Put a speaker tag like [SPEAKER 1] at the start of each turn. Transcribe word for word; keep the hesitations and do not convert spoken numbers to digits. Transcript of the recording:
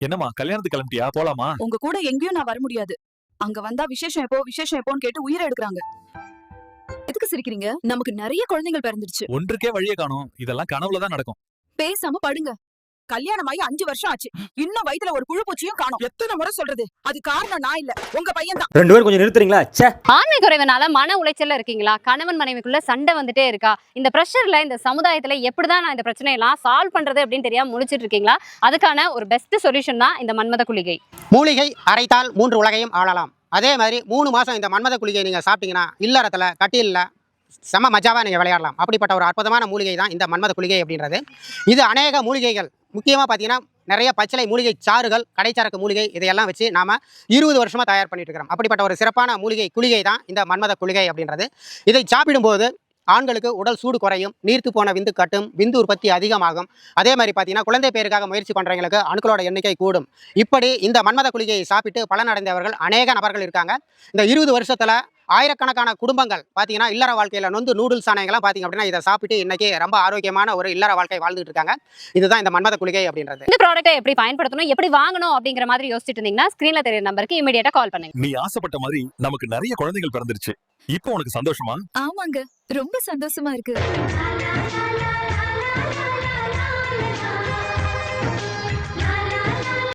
[SPEAKER 1] என்னம்மா கல்யாணத்துக்கு கிளம்பிட்டியா? போலாமா?
[SPEAKER 2] உங்க கூட எங்கேயும் நான் வர முடியாது. அங்க வந்தா விசேஷம் எப்போ விசேஷம் எப்போன்னு கேட்டு உயிரை எடுக்கறாங்க. எதுக்கு சிரிக்கிறீங்க? நமக்கு நிறைய குழந்தைகள் பிறந்துருச்சு.
[SPEAKER 1] ஒன்றுக்கே வழியே காணோம். இதெல்லாம் கனவுல தான் நடக்கும்.
[SPEAKER 2] பேசாம படுங்க. கல்யாணமாயி அஞ்சு வருஷம் ஆச்சு. இன்னும் வயித்துல ஒரு புழு பூச்சியும் காணோம். எத்தனை முறை சொல்றது? அது காரணம் நான் இல்ல, உங்க பையன் தான்.
[SPEAKER 3] ரெண்டு பேரும் கொஞ்சம் நிறுத்துறீங்களா? ச்சே.
[SPEAKER 4] ஆண்மை குறைவுனால மன உளைச்சல்ல இருக்கீங்களா? கணவன் மனைவிக்குள்ள சண்டை வந்துட்டே இருக்கா? இந்த பிரஷர்ல இந்த சமுதாயத்துல எப்படிதான் நான் இந்த பிரச்சனையெல்லாம் சால்வ் பண்றது அப்படின்னு தெரியாம முழிச்சிட்டு இருக்கீங்களா? அதுக்கான ஒரு பெஸ்ட் சொல்யூஷன் தான் இந்த மன்மத குளிகை.
[SPEAKER 5] மூலிகை அரைத்தால் மூன்று உலகையும் ஆளலாம். அதே மாதிரி மூணு மாசம் இந்த மன்மத குளிகை நீங்க சாப்பிட்டீங்கன்னா இல்லறத்துல கட்டில்ல செம மஜாவா நீங்க விளையாடலாம். அப்படிப்பட்ட ஒரு அற்புதமான மூலிகை தான் இந்த மன்மத குளிகை அப்படின்றது. இது அநேக மூலிகைகள், முக்கியமாக பார்த்தீங்கன்னா நிறைய பச்சிலை மூலிகை சாறுகள், கடைச்சரக்கு மூலிகை, இதையெல்லாம் வச்சு நாம இருபது வருஷமா தயார் பண்ணிட்டு இருக்கிறோம். அப்படிப்பட்ட ஒரு சிறப்பான மூலிகை குளிகை தான் இந்த மன்மத குளிகை அப்படின்றது. இதை சாப்பிடும்போது ஆண்களுக்கு உடல் சூடு குறையும், நீர்த்து போன விந்து கட்டும், விந்து உற்பத்தி அதிகமாகும். அதே மாதிரி பார்த்தீங்கன்னா குழந்தை பேருக்காக முயற்சி பண்ணுறவங்களுக்கு அணுக்களோட எண்ணிக்கை கூடும். இப்படி இந்த மன்மத குளிகையை சாப்பிட்டு பலனடைந்தவர்கள் அநேக நபர்கள் இருக்காங்க. இந்த இருபது வருஷத்துல ஆயிரக்கணக்கான குடும்பங்கள் பார்த்தீங்கன்னா இல்லற வாழ்க்கையில் நொந்து நூடுல்ஸ் ஆனவங்களாம் பார்த்தீங்க அப்படின்னா இதை சாப்பிட்டு இன்னைக்கு ரொம்ப ஆரோக்கியமான ஒரு இல்லற வாழ்க்கை வாழ்ந்துட்டு இருக்காங்க. இதுதான் இந்த மன்மத குளிகை அப்படின்றது.
[SPEAKER 4] இந்த ப்ராடக்ட்டை எப்படி பயன்படுத்தணும், எப்படி வாங்கணும் அப்படிங்கிற மாதிரி யோசிச்சுட்டு இருந்தீங்கன்னா ஸ்கிரீன்ல தெரியுற நம்பருக்கு இமிடியேட்டா கால் பண்ணுங்க.
[SPEAKER 1] நீ ஆசைப்பட்ட மாதிரி நமக்கு நிறைய குழந்தைகள் பிறந்துருச்சு. இப்போ உனக்கு சந்தோஷமா?
[SPEAKER 2] ஆமாங்க, ரொம்ப சந்தோஷமா இருக்கு.